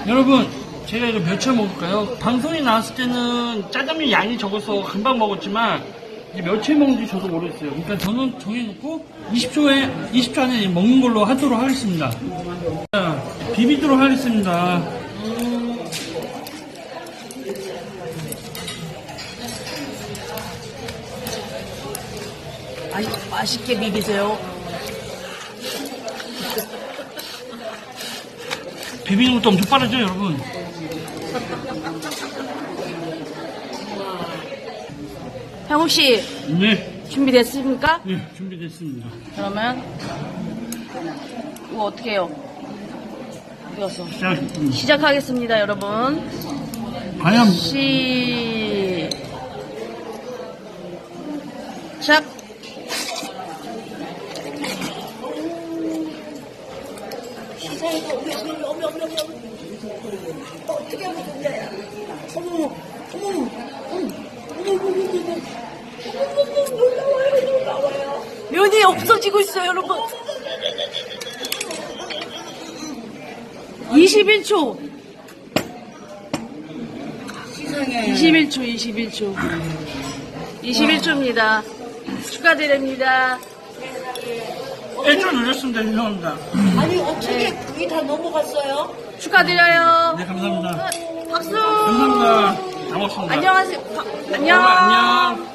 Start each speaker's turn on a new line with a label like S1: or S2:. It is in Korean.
S1: 여러분, 제가 이거 몇 차 먹을까요? 방송에 나왔을 때는 짜장면 양이 적어서 금방 먹었지만 이제 몇 차 먹는지 저도 모르겠어요. 그러니까 저는 정해놓고 20초 안에 먹는 걸로 하도록 하겠습니다. 자, 비비도록 하겠습니다.
S2: 아니, 맛있게 비비세요.
S1: 비비는 것도 엄청 빠르죠, 여러분?
S2: 형욱씨,
S1: 네,
S2: 준비됐습니까?
S1: 네, 준비됐습니다.
S2: 그러면, 이거 어떻게 해요? 이어서.
S1: 시작하겠습니다.
S2: 시작하겠습니다, 여러분.
S1: 과연
S2: 시작.
S3: 어떻게 하면 좋냐? 어머, 어머, 놀라워요.
S2: 면이 없어지고 있어요, 여러분. 21초.
S3: 세상에.
S2: 21초. 21초입니다. 축하드립니다.
S1: 1초 눌렸습니다. 죄송합니다.
S3: 아니, 어떻게 그게 다 넘어갔어요?
S2: 축하드려요.
S1: 네, 감사합니다.
S2: 박수.
S1: 감사합니다. 잘 먹습니다.
S2: 안녕하세요. 안녕.
S1: 안녕.